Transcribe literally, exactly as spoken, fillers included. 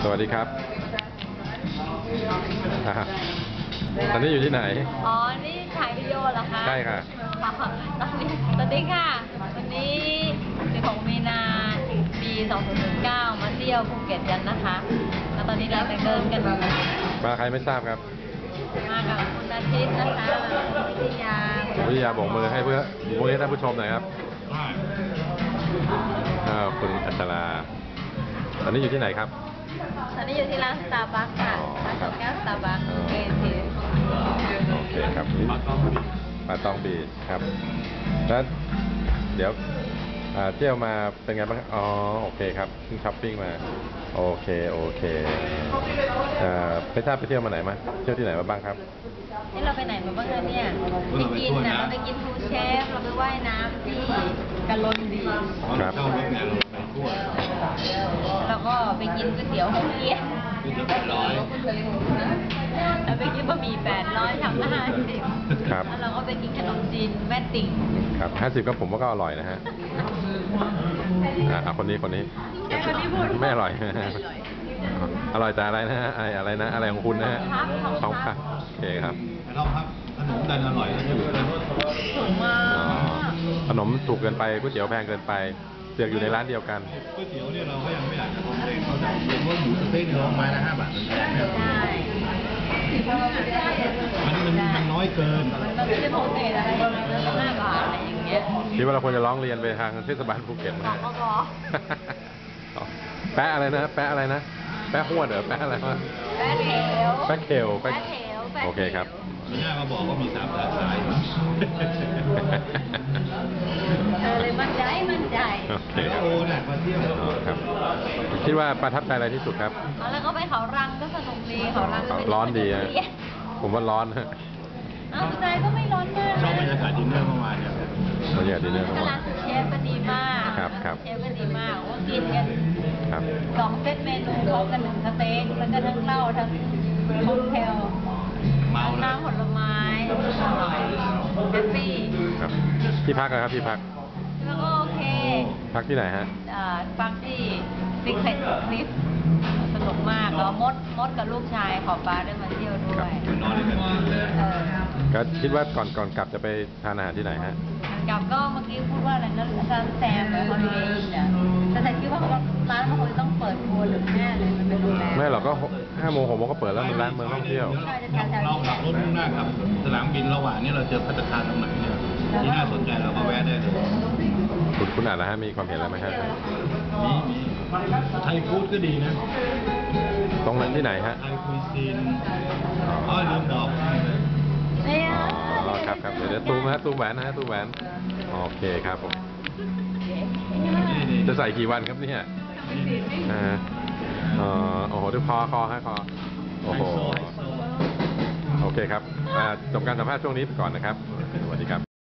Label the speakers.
Speaker 1: วัสดีครับตอนนี้อยู่ที่ไหน
Speaker 2: อ๋อนี่ถ่ายวิดีโอเหรอคะ
Speaker 1: ใช่ค่ะ
Speaker 2: ตอนนี้สวัสดีค่ะวันนี้สิบหกมีนาปีสองพันสิบเก้ามาเที่ยวภูเก็ตกันนะคะแล้วตอนนี้เราไปเดินกัน
Speaker 1: มาใครไม่ทราบครับ
Speaker 2: มากับคุณอาทิตย์นะคะวิทยา
Speaker 1: วิทยาบอกมือให้เพื่อมือให้ท่านผู้ชมหน่อยครับคุณอัชราตอนนี้อยู่ที่ไหนครับ
Speaker 2: ตอนนี้อยู่ที่ร้านสตาร์บัคค่ะร้านจบแก้วสตาร์บัคเอที
Speaker 1: โอเคครับปาตองบีชครับแล้วเดี๋ยวเที่ยวมาเป็นไงบ้างอ๋อโอเคครับเพิ่งช้อปปิ้งมาโอเคโอเคไม่ทราบไปเที่ยวมาไหนมาเที่ยวที่ไหนมาบ้างครับ
Speaker 2: นี่เราไปไหนมาบ้างคะเนี่ยไปกินนะเราไปกินทูเชฟเราไปว่ายน้ำที่กะลนดี
Speaker 1: ครับ
Speaker 2: แล้วก็ไปกินก๋วยเตี๋ยวหกเกี้ยนแปดร้อยแล้วไปกินบะหมี่แปดร้อยทำละห้าสิบ
Speaker 1: ครับ
Speaker 2: แล้วเราก็ไปกินขนมจีนแม่ติ่ง
Speaker 1: ครับห้าสิบก็ผมว่าก็อร่อยนะฮะอ่าคนนี้คนนี้ไม่อร่อยอร่อยแต่อะไรนะฮะอะไรนะอะไรของคุณนะฮะทองพับโอเคครับ
Speaker 3: ทองพับขนมดันอร่อยแล้วถูก
Speaker 2: ถูกมาก
Speaker 1: ขนมถูกเกินไปก๋วยเตี๋ยวแพงเกินไปเสือกอยู่ในร้านเดียวกัน
Speaker 3: ก๋วยเตี๋ยวเนี่ยเราก็ยังไม่อยากจะลงเองเขาจะเห็นว่าหมูสเต็กเนี่ยลงไม้ละห้าบาทใช่อันนี้มันมันน้อยเกิน
Speaker 2: มันไม่ได้โปรตีนอะไรอย่างเงี้ยห้าบาทอะไรอย่างเงี้ย
Speaker 1: คิดว่าเราควรจะร้องเรียนไปทางเทศบาลภูเก็ตนะแปะอะไรนะแปะอะไรนะแปะหัวเด้อแปะอะไรวะ
Speaker 2: แปะเถว
Speaker 1: แปะเขวแปะเถวโอเคครับ
Speaker 3: หน้ามาบอกว่ามีสามสาขา
Speaker 2: เออเลยมั่นใจมั่นใจ
Speaker 1: โอเคครับ
Speaker 3: โอ้เนี่ยมาเที่ยว
Speaker 1: ครับคิดว่าประทับใจอะไรที่สุดครับ
Speaker 2: แล้วก็ไปเขารังก็สนุกดีเขารัง
Speaker 1: ร้อนดีอ่ะผมว่าร้อนฮะ
Speaker 2: อ้าวสุดท้ายก็ไม่ร้อนมาก
Speaker 3: ชอบบรรยากาศดินเนอร์เมื่อวานเนี่ย
Speaker 1: บรรยากาศดินเนอร์เมื่อวาน
Speaker 2: ร้านเชฟก็ดีมาก
Speaker 1: ครับครับ
Speaker 2: เชฟก็ดีมากว่ากินกัน
Speaker 1: ครับ
Speaker 2: สองเซตเมนูพร้อมกันหนึ่งสเต็กแล้วก็ทั้งเหล้าทั้งค็อกเทลน้ำผลไม้อร่อยแฮปปี้
Speaker 1: ครับที่พักนะครับที่พัก
Speaker 2: แล้วก็โอเค
Speaker 1: พักที่ไหนฮะ
Speaker 2: พักที่ซิกเซ็ตคลิปสนุกมากแล้วมดมดกับลูกชายขอฟ้าได้มาเที่ยวด้วย
Speaker 3: นอนด้วยกัน
Speaker 1: ก็คิดว่าก่อนก่อนกลับจะไปทานอาหารที่ไหนฮะ
Speaker 2: กลับก็เมื่อกี้พูดว่าอะไรนะร้านแซมไปฮอลิเดย์อินอ่ะแต่แต่คิดว่าร้านมันคงต้องเปิดครัวหรือแน่เลยมันเป็นโรงแรม
Speaker 1: ไม่หรอกก็ห้าโมงหกโมงก็เปิดแล้วมันร้านเมืองท่องเที่ยว
Speaker 3: เราขับรถมุ่งหน้าขับสนามบินระหว่างนี้เราเจอภัตตาคารตรงไหนเนี่ยที่น่าสนใจเราก็แวะได้เลย
Speaker 1: คุณคุณอ่านแล้วฮะมีความเห็นอะไรไหมฮะ
Speaker 3: มีมีไทยฟู้ดก็ดีนะ
Speaker 1: ตรงนั้นที่ไหนฮะ
Speaker 3: ไทยคุยซีนอ๋อลืมบอก
Speaker 1: อ๋อครับครับเดี๋ยวตูมฮะตูมแหวนนะฮะตูมแหวนโอเคครับผมจะใส่กี่วันครับเนี่ยอ่าอ๋อโอ้โหดูคอคอฮะคอโอ้โหโอเคครับจบการสัมภาษณ์ช่วงนี้ไปก่อนนะครับสวัสดีครับ